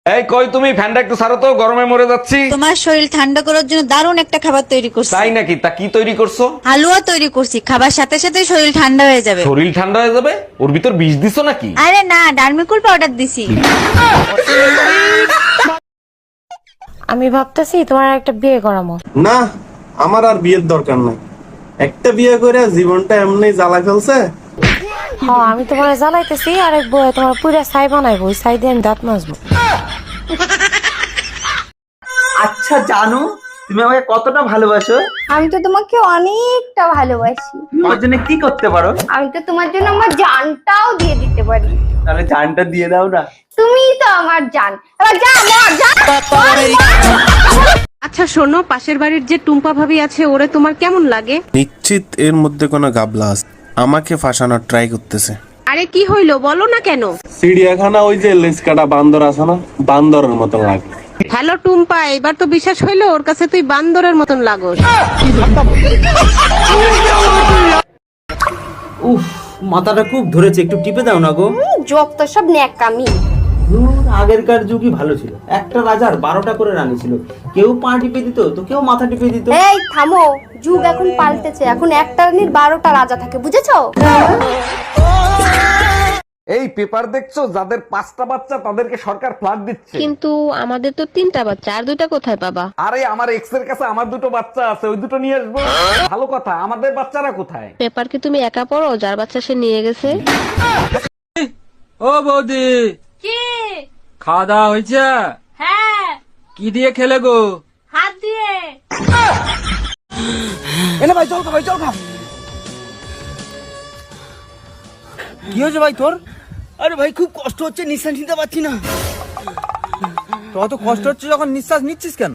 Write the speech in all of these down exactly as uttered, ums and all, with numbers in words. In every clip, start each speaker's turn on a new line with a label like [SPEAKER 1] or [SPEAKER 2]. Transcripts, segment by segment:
[SPEAKER 1] এই কই তুমি, ফ্যানটা একটু ছাড়ো তো, গরমে মরে যাচ্ছি।
[SPEAKER 2] তোমার শরীর ঠান্ডা করার জন্য দারুণ একটা খাবার তৈরি করছি।
[SPEAKER 1] তাই নাকি? তা কি তৈরি করছো?
[SPEAKER 2] হালুয়া তৈরি করছি, খাবার সাথে সাথে শরীর ঠান্ডা হয়ে যাবে।
[SPEAKER 1] শরীর ঠান্ডা হয়ে যাবে? ওর ভিতর বিষ দিছো নাকি?
[SPEAKER 2] আরে না, ডার্মিকুল পাউডার দিছি।
[SPEAKER 3] আমি ভাবতেছি তোমার একটা বিয়ে করামো।
[SPEAKER 4] না, আমার আর বিয়ের দরকার নাই। একটা বিয়ে করে জীবনটা এমনি জ্বালা ফেলছে।
[SPEAKER 3] হ্যাঁ, আমি তোমার জ্বালাইতেছি, আর এক বউ তোমার পুরা ছাই বানাইবো, ওই ছাই দিয়ে আমি দাঁত মাজবো।
[SPEAKER 5] আচ্ছা জানো, তুমি আমাকে কতটা ভালোবাসো?
[SPEAKER 6] আমি তো তোমাকে অনেকটা ভালোবাসি।
[SPEAKER 5] আমার জন্য কি করতে পারো?
[SPEAKER 6] আমি তো তোমার জন্য আমার জানটাও দিয়ে দিতে পারি।
[SPEAKER 5] তাহলে জানটা দিয়ে দাও না।
[SPEAKER 6] তুমিই তো আমার জান। এবার যা মর, যা।
[SPEAKER 7] আচ্ছা শোনো, পাশের বাড়ির যে টুম্পা ভাবি আছে, ওরে তোমার কেমন লাগে?
[SPEAKER 4] নিশ্চিত এর মধ্যে কোনো গাবলা আছে, আমাকে ফাঁসানোর ট্রাই করতেছে।
[SPEAKER 7] আরে কি হইলো বলো না কেন?
[SPEAKER 4] চিড়িয়াখানা ওই যে লেজ কাটা বান্দর আছে না, বান্দরের মতো লাগে।
[SPEAKER 7] হ্যালো টুম্পা, এবার তো বিশ্বাস হইলো ওর কাছে তুই বান্দরের মতন লাগোস।
[SPEAKER 5] উফ, মাথাটা খুব ধরেছে, একটু টিপে দাও না গো।
[SPEAKER 6] যত সব ন্যাকামি।
[SPEAKER 5] ধুর, আগেরকার যুগই ভালো ছিল। একটা রাজার বারোটা করে রানী ছিল, কেউ পা টিপে দিত তো কেউ মাথা টিপে দিত।
[SPEAKER 6] এই থামো, যুগ এখন পাল্টেছে। এখন একটা রানীর বারোটা রাজা থাকে, বুঝেছো?
[SPEAKER 1] এই পেপার দেখছো, যাদের পাঁচটা বাচ্চা তাদেরকে সরকার ফ্ল্যাট দিচ্ছে।
[SPEAKER 7] কিন্তু আমাদের তো তিনটা বাচ্চা, আর দুইটা কোথায় পাবা?
[SPEAKER 1] আরে আমার এক্স এর কাছে আমার দুটো বাচ্চা আছে, ওই দুটো নিয়ে আসবো। ভালো কথা, আমাদের বাচ্চারা কোথায়?
[SPEAKER 7] পেপার কি তুমি একা পড়ো? যার বাচ্চা সে নিয়ে গেছে।
[SPEAKER 8] ও বৌদি,
[SPEAKER 6] কি?
[SPEAKER 8] খাওয়া দাওয়া হয়েছে?
[SPEAKER 6] হ্যাঁ,
[SPEAKER 8] কি দিয়ে খেলে গো?
[SPEAKER 6] হাত দিয়ে।
[SPEAKER 5] এনে ভাই চল খা, ভাই চল খা। কি হয়েছে ভাই তোর? আরে ভাই খুব কষ্ট হচ্ছে, নিঃশ্বাস নিতে পারছি না। তো অত কষ্ট হচ্ছে যখন নিঃশ্বাস নিচ্ছিস কেন?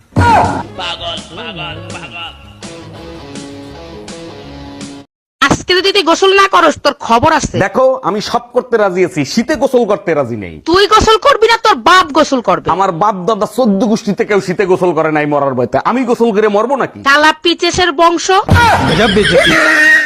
[SPEAKER 7] আজকে যদি তুই গোসল না করস তোর খবর আছে।
[SPEAKER 1] দেখো, আমি সব করতে রাজি আছি, শীতে গোসল করতে রাজি নেই।
[SPEAKER 7] তুই গোসল করবি না, তোর বাপ গোসল করবে।
[SPEAKER 1] আমার বাপ দাদা চোদ্দ গোষ্ঠীতে কেউ শীতে গোসল করে নাই মরার ভয়তে, আমি গোসল করে মরবো নাকি?
[SPEAKER 7] কালা পিচেসের বংশ।